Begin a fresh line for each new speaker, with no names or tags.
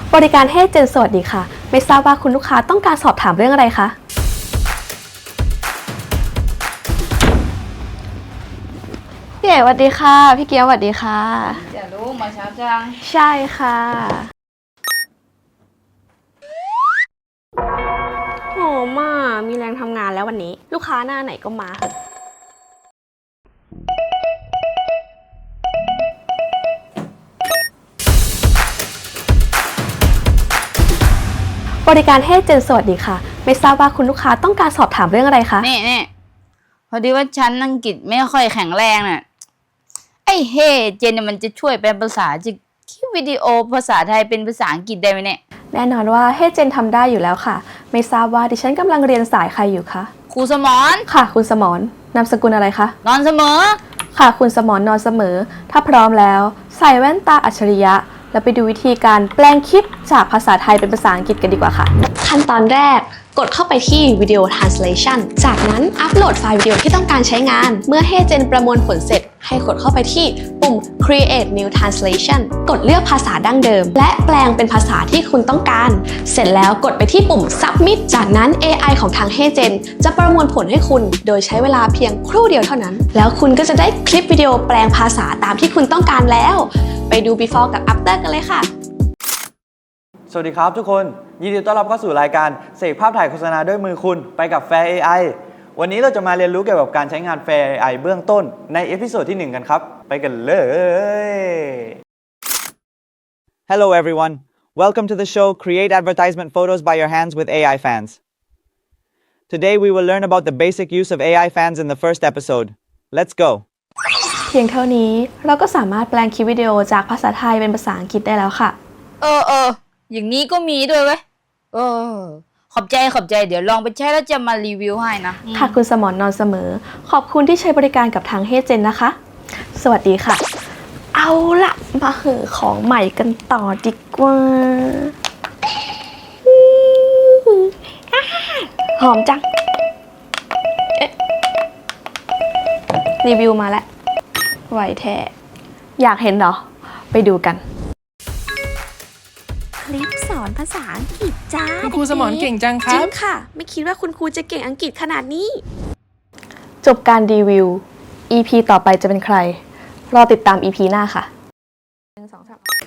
บริการเฮเจนสวัสดีค่ะไม่ทราบว่าคุณลูกค้าต้องการสอบถามเรื่องอะไรคะพี่เอ๋สวัสดีค่ะพี่เกียวสวัสดีค่ะ
จะรู้มาเช้าจัง
ใช่ค่ะโหมามีแรงทำงานแล้ววันนี้ลูกค้าหน้าไหนก็มาค่ะบริการเฮเจนสวัสดีค่ะไม่ทราบว่าคุณลูกค้าต้องการสอบถามเรื่องอะไรคะ
นี่พอดีว่าฉันอังกฤษไม่ค่อยแข็งแรงน่ะไอ้เฮเจนเนี่ยมันจะช่วยแปลภาษาจะคลิปวิดีโอภาษาไทยเป็นภาษาอังกฤษได้ไหมเนี่ย
แน่นอนว่าเฮเจนทำได้อยู่แล้วค่ะไม่ทราบว่าดิฉันกำลังเรียนสายใครอยู่คะ
ครูสมร
ค่ะคุณสมรนามสกุลอะไรคะ
นอนเสมอ
ค่ะคุณสมรนอนเสมอถ้าพร้อมแล้วใส่แว่นตาอัจฉริยะแล้วไปดูวิธีการแปลงคลิปจากภาษาไทยเป็นภาษาอังกฤษกันดีกว่าค่ะขั้นตอนแรกกดเข้าไปที่ Video Translation จากนั้นอัปโหลดไฟล์วิดีโอที่ต้องการใช้งานเมื่อเฮเจนประมวลผลเสร็จให้กดเข้าไปที่ปุ่ม Create New Translation กดเลือกภาษาดั้งเดิมและแปลงเป็นภาษาที่คุณต้องการเสร็จแล้วกดไปที่ปุ่ม Submit จากนั้น AI ของทางเฮเจนจะประมวลผลให้คุณโดยใช้เวลาเพียงครู่เดียวเท่านั้นแล้วคุณก็จะได้คลิปวิดีโอแปลงภาษาตามที่คุณต้องการแล้วไปดู Before กับ After กันเลยค่ะ
สวัสดีครับทุกคนยินดีต้อนรับเข้าสู่รายการเสกภาพถ่ายโฆษณาด้วยมือคุณไปกับ Fair AI วันนี้เราจะมาเรียนรู้เกี่ยวกับการใช้งาน Fair AI เบื้องต้นในเอพิโซดที่1กันครับไปกันเลย Hello everyone welcome to the show Create Advertisement Photos by Your Hands with AI Fans Today we will learn about the basic use of AI Fans in the first episode Let's go
เพียงเท่านี้เราก็สามารถแปลงคลิปวิดีโอจากภาษาไทยเป็นภาษาอังกฤษได้แล้วค่ะ
อย่างนี้ก็มีด้วยเว้ยขอบใจเดี๋ยวลองไปใช้แล้วจะมารีวิวให้นะ
ค่ะคุณสมรนอนเสมอขอบคุณที่ใช้บริการกับทางเฮเจนนะคะสวัสดีค่ะเอาละมาเหอะของใหม่กันต่อดีกว่าหอมจังรีวิวมาแล้วไหวแท้อยากเห็นเหรอไปดูกัน
คลิปสอนภาษาอังกฤษจ้า
คุณครูสมรเก่งจังครั
จริ
บ
งค่ะไม่คิดว่าคุณครูจะเก่งอังกฤษขนาดนี้
จบการรีวิว EP ต่อไปจะเป็นใครรอติดตาม EP หน้าค่ะ1 2 3